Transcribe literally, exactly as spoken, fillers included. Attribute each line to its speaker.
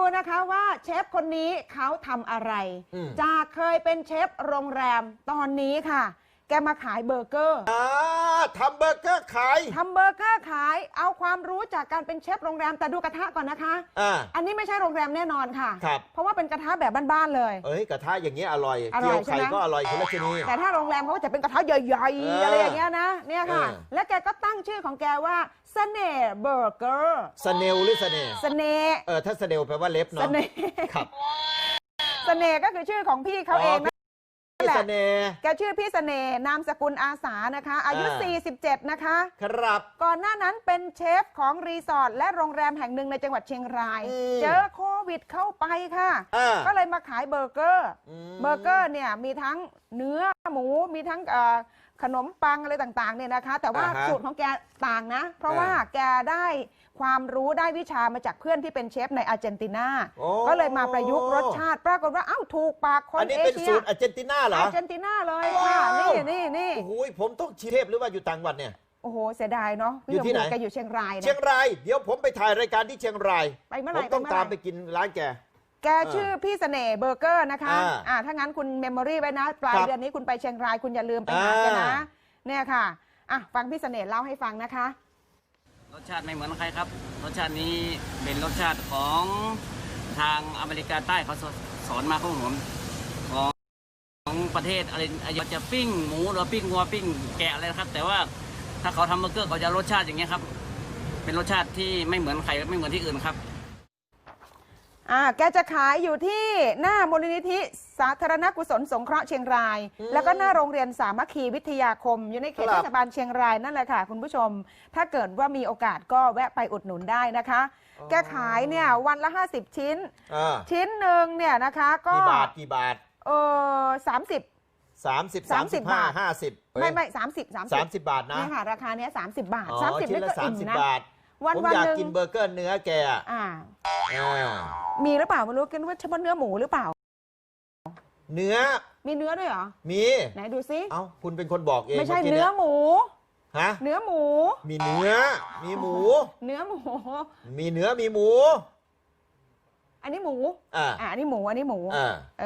Speaker 1: นะคะว่าเชฟคนนี้เขาทำอะไรจากเคยเป็นเชฟโรงแรมตอนนี้ค่ะแกมาขายเบอร์เกอร์
Speaker 2: อ่าทำเบอร์เกอร์ขาย
Speaker 1: ทำเบอร์เกอร์ขายเอาความรู้จากการเป็นเชฟโรงแรมแต่ดูกระทะก่อนนะคะอ่าอันนี้ไม่ใช่โรงแรมแน่นอนค่ะครับเพราะว่าเป็นกระทะแบบบ้านๆเลย
Speaker 2: เอ้ยกระทะอย่างเงี้ยอร่อยเกี๊ยวไข่ก็อร่อยคนละชนิด
Speaker 1: แต่ถ้าโรงแรมเขาจะเป็นกระทะใหญ่ๆอะไรอย่างเงี้ยนะเนี่ยค่ะและแกก็ตั้งชื่อของแกว่าเสน่ห์เบอร์เกอร์
Speaker 2: เสน่ห์หรือเสน่ห์
Speaker 1: เสน่ห์
Speaker 2: เออถ้าเสน่ห์แปลว่าเล็บเนาะเสน่ห์ครับ
Speaker 1: เสน่ห์ก็คือชื่อของพี่เขาเองนะ
Speaker 2: พี่เสน่ห์
Speaker 1: แกชื่อพี่เสน่ห์นามสกุลอาสานะคะอายุสี่สิบเจ็ดนะคะ
Speaker 2: ครับ
Speaker 1: ก่อนหน้านั้นเป็นเชฟของรีสอร์ทและโรงแรมแห่งหนึ่งในจังหวัดเชียงรายเจอโควิดเข้าไปค่ะก็เลยมาขายเบอร์เกอร์เบอร์เกอร์เนี่ยมีทั้งเนื้อหมูมีทั้งขนมปังอะไรต่างๆเนี่ยนะคะแต่ว่าสูตรของแกต่างนะเพราะว่าแกได้ความรู้ได้วิชามาจากเพื่อนที่เป็นเชฟในอาร์เจนตินาก็เลยมาประยุกต์รสชาติปรากฏว่าเอ้าถูกปากคนเอเชียอันนี้เป็น
Speaker 2: สูตรอาร์เจนตินาเหรอ
Speaker 1: อาร์เจนตินาเลยค่ะนี่นี่นี่
Speaker 2: โอ้โหผมต้องชีเทพหรือว่าอยู่ต่างจังหวัดเนี่ย
Speaker 1: โอ้โหเสียดายเนาะ
Speaker 2: อยู่ที่ไหน
Speaker 1: แกอยู่เชียงราย
Speaker 2: เชียงรายเดี๋ยวผมไปถ่ายรายการที่เชียงราย
Speaker 1: ไปเมื่อไหร่
Speaker 2: ผมต้องตามไปกินร้านแก
Speaker 1: แกชื่อพี่เสน่ห์เบอร์เกอร์นะคะอ่าถ้างั้นคุณเมมโมรี่ไว้นะปลายเดือนนี้คุณไปเชียงรายคุณอย่าลืมไปหาแกนะเนี่ยค่ะอ่ะฟังพี่เสน่ห์เล่าให้ฟังนะคะ
Speaker 3: รสชาติไม่เหมือนใครครับรสชาตินี้เป็นรสชาติของทางอเมริกาใต้เขาสอนมาของผมของของประเทศอะไรจะปิ้งหมูหรือปิ้งวัวปิ้งแกะอะไรนะครับแต่ว่าถ้าเขาทำเบอร์เกอร์เขาจะรสชาติอย่างเงี้ยครับเป็นรสชาติที่ไม่เหมือนใครไม่เหมือนที่อื่นครับ
Speaker 1: อ่าแกจะขายอยู่ที่หน้ามูลนิธิสาธารณกุศลสงเคราะห์เชียงรายแล้วก็หน้าโรงเรียนสามัคคีวิทยาคมอยู่ในเขตเทศบาลเชียงรายนั่นแหละค่ะคุณผู้ชมถ้าเกิดว่ามีโอกาสก็แวะไปอุดหนุนได้นะคะแกขายเนี่ยวันละห้าสิบชิ้นชิ้นหนึ่งเนี่ยนะคะก็
Speaker 2: กี่บาทกี่บาท
Speaker 1: เออสามสิบ
Speaker 2: สามสิบสามสิบห้าห้าสิบ
Speaker 1: ไม่ไม่สามสิบสาม
Speaker 2: สามสิบบาทนะ
Speaker 1: นี่ค่ะราคาเนี้ยสามสิบบาทสามสิบนี่ก็อิ่มนะ
Speaker 2: วันผมอยากกินเบอร์เกอร์เนื้อแกอ่า
Speaker 1: มีหรือเปล่าไม่รู้กินว่าเฉพาะเนื้อหมูหรือเปล่า
Speaker 2: เนื้อ
Speaker 1: มีเนื้อด้วยเหรอ
Speaker 2: มี
Speaker 1: ไหนดูซิ
Speaker 2: เอ้าคุณเป็นคนบอกเอง
Speaker 1: ไม่ใช่เนื้อหมู
Speaker 2: ฮะ
Speaker 1: เนื้อหมู
Speaker 2: มีเนื้อมีหมู
Speaker 1: เนื้อหมู
Speaker 2: มีเนื้อมีหมู
Speaker 1: อันนี้หมู
Speaker 2: อ่า
Speaker 1: อันนี้หมูอันนี้หมูอ่า